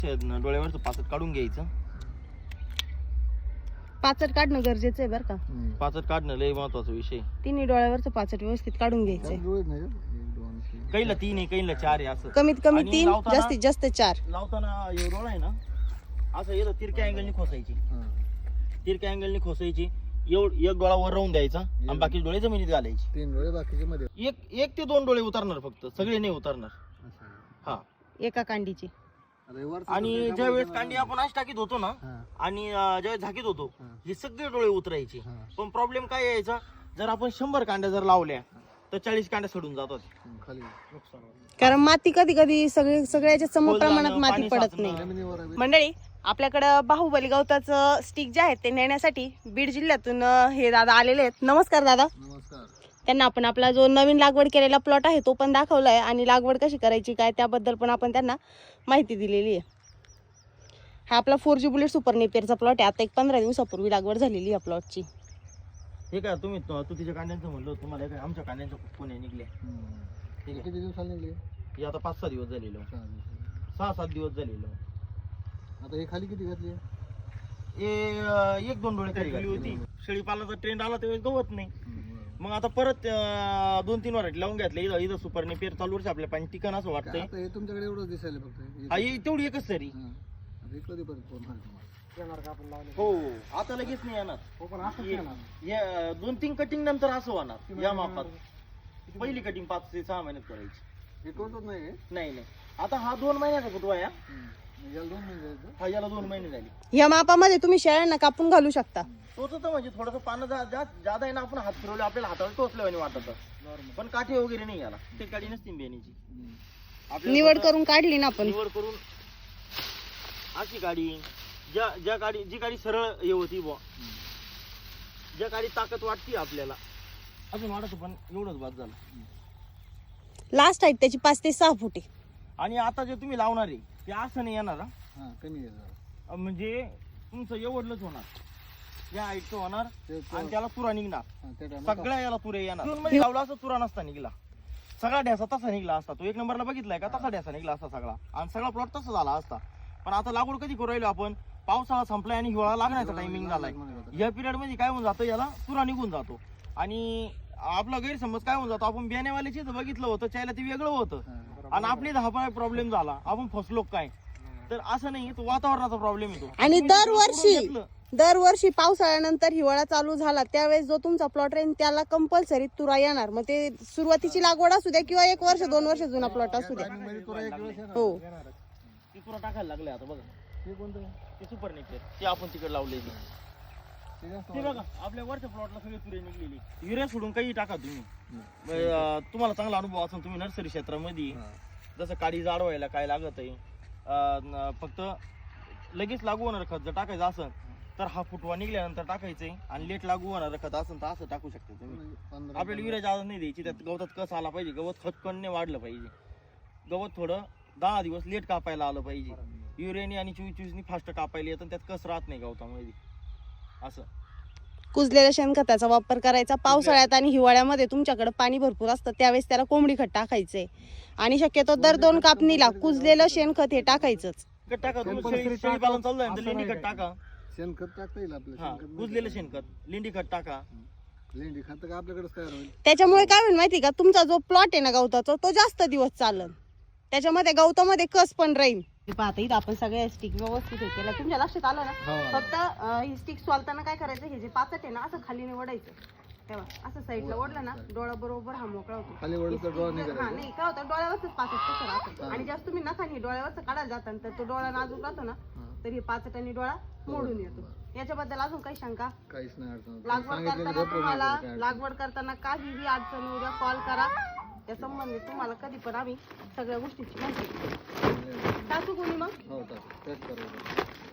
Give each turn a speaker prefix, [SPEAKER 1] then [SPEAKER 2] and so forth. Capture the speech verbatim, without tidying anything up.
[SPEAKER 1] डोळ्यावरचं पाचट काढून घ्यायचं.
[SPEAKER 2] पाचट काढणं गरजेचं आहे बरं का.
[SPEAKER 1] पाचट काढणं लय महत्वाचा विषय.
[SPEAKER 2] तिन्ही डोळ्यावरचं पाचट व्यवस्थित काढून घ्यायचंय.
[SPEAKER 1] काहीला तीन आहे काहीला चार आहे असं.
[SPEAKER 2] कमीत कमी
[SPEAKER 1] आणि
[SPEAKER 2] तीन
[SPEAKER 1] लावताना-
[SPEAKER 2] जास्तीत जास्त चार.
[SPEAKER 1] लावताना हे डोळा आहे ना असं येतं तिरक्या अँगलनी खोसायची. तिरक्या अँगलनी खोसायची. एवढ एक डोळा वर राहून द्यायचा आणि बाकी डोळे जमिनीत घालायचे.
[SPEAKER 3] तीन डोळे बाकीचे मध्ये.
[SPEAKER 1] एक एक ते दोन डोळे उतरणार फक्त, सगळे नाही उतरणार. हा
[SPEAKER 2] एका कांडीची.
[SPEAKER 1] आणि ज्यावेळेस कांडी आपण अशी टाकीत होतो ना आणि अं, ज्यावेळेस झाकीत होतो हे सगळे डोळे उतरायचे. पण प्रॉब्लेम काय यायचा, जर आपण शंभर कांड्या जर लावल्या तर चाळीस कांड्या सडून जातात खाली.
[SPEAKER 2] कारण माती कधी कधी सगळे सगळ्याच्या सम
[SPEAKER 1] खोल
[SPEAKER 2] प्रमाणात
[SPEAKER 1] जाणं,
[SPEAKER 2] माती
[SPEAKER 1] पाणी
[SPEAKER 2] पडत
[SPEAKER 1] साचणं.
[SPEAKER 2] नाही. मंडळी आपल्याकडं बाहुबली गवताचं स्टिक जे आहेत ते नेण्यासाठी बीड जिल्ह्यातून अं, हे दादा आलेले आहेत. नमस्कार दादा.
[SPEAKER 3] नमस्कार.
[SPEAKER 2] त्यांना आपण आपला जो नवीन लागवड केलेला प्लॉट आहे तो पण दाखवलाय आणि लागवड कशी करायची काय त्याबद्दल पण आपण त्यांना माहिती दिलेली आहे. हा आपला फोर जी बुलेट सुपर नेपियरचा प्लॉट आहे. आता एक पंधरा दिवसापूर्वी लागवड झालेली आहे प्लॉटची.
[SPEAKER 1] हे काय तुम्ही तू तिच्या कांड्यांचं म्हणलं तुम्हाला काय आमच्या कांड्यांच्या कोण्या निघल्या. ठीक आहे.
[SPEAKER 3] किती दिवसाला निघले?
[SPEAKER 1] हे आता पाच सहा दिवस झालेलं,
[SPEAKER 3] सहा दिवस.
[SPEAKER 1] सहा सात दिवस झालेलं.
[SPEAKER 3] आता हे खाली किती घातली?
[SPEAKER 1] हे अं, एक दोन डोळे खाली होती. शेळीपालनाचा ट्रेंड आला त्यावेळेस गवत नाही. मग आता परत अं, दोन तीन वरायटी लावून घेतले. इथं इथं सुपर नेपियर चालू वर्ष आपल्या पाणी ठिकाण असं वाटतंय.
[SPEAKER 3] आता हे तुमच्याकडे एवढंच दिसायला फक्त.
[SPEAKER 1] हा, हे तेवढी एकच तरी.
[SPEAKER 3] आता हे कधी परत फोन
[SPEAKER 1] हो आता लगेच नाही येणार. हे दोन तीन कटिंग नंतर असं होणार या मापात. पहिली कटिंग पाच ते सहा महिन्यात करायची.
[SPEAKER 3] हे कोणतंच नाही आहे?
[SPEAKER 1] नाही नाही आता हा दोन महिन्याचा फुटवा या.
[SPEAKER 3] याला दोन महिने जायचं.
[SPEAKER 1] हा याला दोन महिने झाले.
[SPEAKER 2] या मापामध्ये तुम्ही शेळ्यांना कापून घालू शकता.
[SPEAKER 1] तोच तर म्हणजे थोडंसं पानं जा- जा- जादा आहे ना, आपण हात फिरवले आपल्याला हाताला टोचल्यावानी वाटत. पण काठी वगैरे नाही याला. ते काठी नसती बेनीची. आपल्याला
[SPEAKER 2] निवड
[SPEAKER 1] फक्त
[SPEAKER 2] करून काढली ना आपण.
[SPEAKER 1] निवड करून अशी गाडी ज्या ज्या गाडी जी गाडी सरळ हे होती बुवा, ज्या गाडी ताकद वाटते आपल्याला अजून वाटत पण एवढंच बाद झालं.
[SPEAKER 2] लास्ट हाईट त्याची पाच ते सहा फुट आहे.
[SPEAKER 1] आणि आता जे तुम्ही लावणार आहे ते असं नाही येणार.
[SPEAKER 3] हा कमी आहे जरा.
[SPEAKER 1] म्हणजे तुमचं एवढलंच होणार. या हाईटचं होणार
[SPEAKER 3] ते-
[SPEAKER 1] आणि त्याला तुरा निघणार.
[SPEAKER 3] हा, त्या टायमात
[SPEAKER 1] सगळ्या याला तुरे येणार. जून मध्ये लावला असता तुरा नसता निघला. सगळा ढ्यासा तसा निघला असता. तो एक नंबरला बघितलाय का, तसा ढ्यासा निघला असता सगळा आणि सगळा प्लॉट तसा झाला असता. पण आता लागवड कधी करू राहिलो आपण, पावसाळा संपलाय आणि हिवाळा लागण्याचा टायमिंग झालाय. या पिरियड मध्ये काय होऊन जातं, याला तुरा निघून जातो. आणि आपला गैरसमज काय होऊन जातो, आपण बियाण्यावाल्याची बघितलं होतं त्याला ते वेगळं होतं आणि आपली दहा प्रॉब्लेम झाला, आपण फसलो काय. तर असं नाही, तो वातावरणाचा प्रॉब्लेम येतो.
[SPEAKER 2] आणि
[SPEAKER 1] तुम्ही
[SPEAKER 2] दरवर्षी
[SPEAKER 1] करून घेतलं,
[SPEAKER 2] दरवर्षी पावसाळ्यानंतर हिवाळा चालू झाला त्यावेळेस जो तुमचा प्लॉट राहील त्याला कंपल्सरी तुरा येणार. मग ते सुरुवातीची लागवड असू द्या किंवा एक वर्ष दोन वर्ष जुना प्लॉट असू द्या. हो
[SPEAKER 1] ते तुरा टाकायला लागले आता बघा.
[SPEAKER 3] हे कोणतं?
[SPEAKER 1] ते सुपर नेपियर ते आपण तिकडे लावले. ते बघा आपल्या वरच्या प्लॉटला सगळे तुरे निघलेली. युरिया सोडून काही टाका तुम्ही. अं, तुम्हाला चांगला अनुभव असेल तुम्ही नर्सरी क्षेत्रामध्ये. जसं काडी जाड व्हायला काय लागत आहे, अं, फक्त लगेच लागू होणार खत जर टाकायचं असेल तर हा फुटवा निघल्यानंतर टाकायचंय आणि लेट लागू होणार खत असेल तर असं टाकू शकता तुम्ही. आपल्याला युरिया जादा नाही द्यायची. त्यात गवतात कस आला पाहिजे, गवत खतकणने वाढलं पाहिजे. गवत थोडं दहा दिवस लेट कापायला आलं पाहिजे. युरियानी आणि चोवीस चोवीसनी फास्ट कापायला येतं, त्यात कस राहत नाही गवतामध्ये. असं
[SPEAKER 2] कुजलेल्या शेणखताचा वापर करायचा. पावसाळ्यात आणि हिवाळ्यामध्ये तुमच्याकडे पाणी भरपूर असतं त्यावेळेस त्याला कोंबडी खत टाकायचंय. आणि शक्यतो दर दोन कापणीला कुजलेलं शेणखत हे टाकायचंच.
[SPEAKER 1] खत टाका. तुम्ही शेळीपालन चालू आहे तर लेंडी खत टाका.
[SPEAKER 3] शेणखत टाकता येईल आपलं.
[SPEAKER 1] हा
[SPEAKER 3] शेणखत
[SPEAKER 1] कुजलेलं शेणखत लेंडी खत टाका.
[SPEAKER 3] लेंडी खत का आपल्याकडेच तयार होईल.
[SPEAKER 2] त्याच्यामुळे काय होईल माहिती का, तुमचा जो प्लॉट आहे ना गवताचा तो जास्त दिवस चालन. त्याच्यामध्ये गवतामध्ये कस पण राहील. पाहता इथं आपण सगळ्या स्टिक व्यवस्थित हे केलं. तुमच्या लक्षात आलं ना. फक्त अं, ही स्टिक सोलताना काय करायचं, हे जे पाचट आहे ना असं खाली ओढायचं. तेव्हा असं साईडला ओढलं ना डोळा बरोबर हा मोकळा होतो.
[SPEAKER 3] खाली ओढलं तर डोळा नाही
[SPEAKER 2] हा
[SPEAKER 3] करायचा.
[SPEAKER 2] नाही काय होतं, डोळ्यावरच पाचट कसं राहतं. आणि जास्त तुम्ही नखानी डोळ्यावरच काढायला जाता तर तो डोळा नाजूक राहतो ना, तर हे पाचट आणि डोळा मोडून येतो. याच्याबद्दल अजून काही शंका?
[SPEAKER 3] काहीच नाही अडचण.
[SPEAKER 2] लागवड करताना तुम्हाला लागवड करताना काहीही अडचण उद्या कॉल करा. त्या संबंधित तुम्हाला कधी पण आम्ही सगळ्या गोष्टीची माहिती. टाकू कोणी मग?
[SPEAKER 3] हो टाक. टेस्ट करायचं.